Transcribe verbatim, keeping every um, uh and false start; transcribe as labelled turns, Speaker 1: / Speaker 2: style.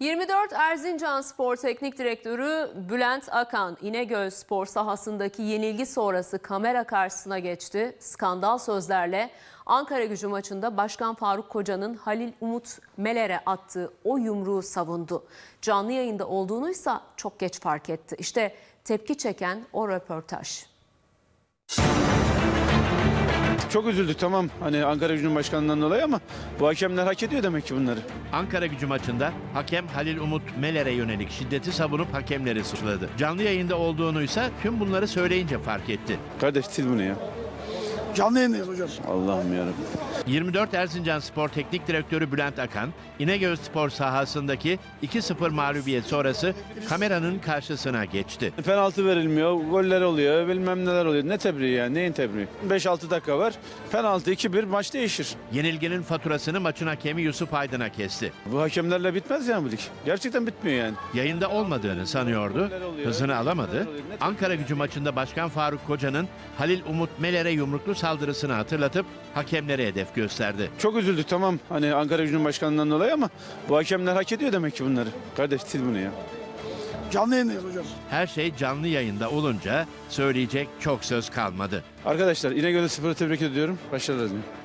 Speaker 1: yirmi dört Erzincan Spor Teknik Direktörü Bülent Akan, İnegöl Spor sahasındaki yenilgi sonrası kamera karşısına geçti. Skandal sözlerle Ankaragücü maçında Başkan Faruk Koca'nın Halil Umut Meler'e attığı o yumruğu savundu. Canlı yayında olduğunuysa çok geç fark etti. İşte tepki çeken o röportaj.
Speaker 2: Çok üzüldük, tamam, hani Ankaragücü'nün başkanından dolayı, ama bu hakemler hak ediyor demek ki bunları.
Speaker 3: Ankaragücü maçında hakem Halil Umut Meler'e yönelik şiddeti savunup hakemleri suçladı. Canlı yayında olduğunuysa tüm bunları söyleyince fark etti.
Speaker 2: Kardeş sil bunu ya.
Speaker 4: Canlı yayındayız hocam.
Speaker 2: Allah'ım yarabbim.
Speaker 3: yirmi dört Erzincan Spor Teknik Direktörü Bülent Akan, İnegöl Spor sahasındaki iki sıfır mağlubiyet sonrası kameranın karşısına geçti.
Speaker 2: Penaltı verilmiyor, goller oluyor, bilmem neler oluyor. Ne tebriği yani, neyin tebriği? beş altı dakika var, penaltı iki bir, maç değişir.
Speaker 3: Yenilginin faturasını maçın hakemi Yusuf Aydın'a kesti.
Speaker 2: Bu hakemlerle bitmez yani bu lig. Gerçekten bitmiyor yani.
Speaker 3: Yayında olmadığını sanıyordu, hızını alamadı. Ankaragücü maçında Başkan Faruk Koca'nın Halil Umut Meler'e yumruklu saldırısını hatırlatıp hakemlere hedef gösterdi.
Speaker 2: Çok üzüldük, tamam, hani Ankaragücü'nün başkanından dolayı, ama bu hakemler hak ediyor demek ki bunları. Kardeş sil bunu ya.
Speaker 4: Canlı yayındayız hocam.
Speaker 3: Her şey canlı yayında olunca söyleyecek çok söz kalmadı.
Speaker 2: Arkadaşlar İnegöl Spor'u tebrik ediyorum. Başarılar diliyorum.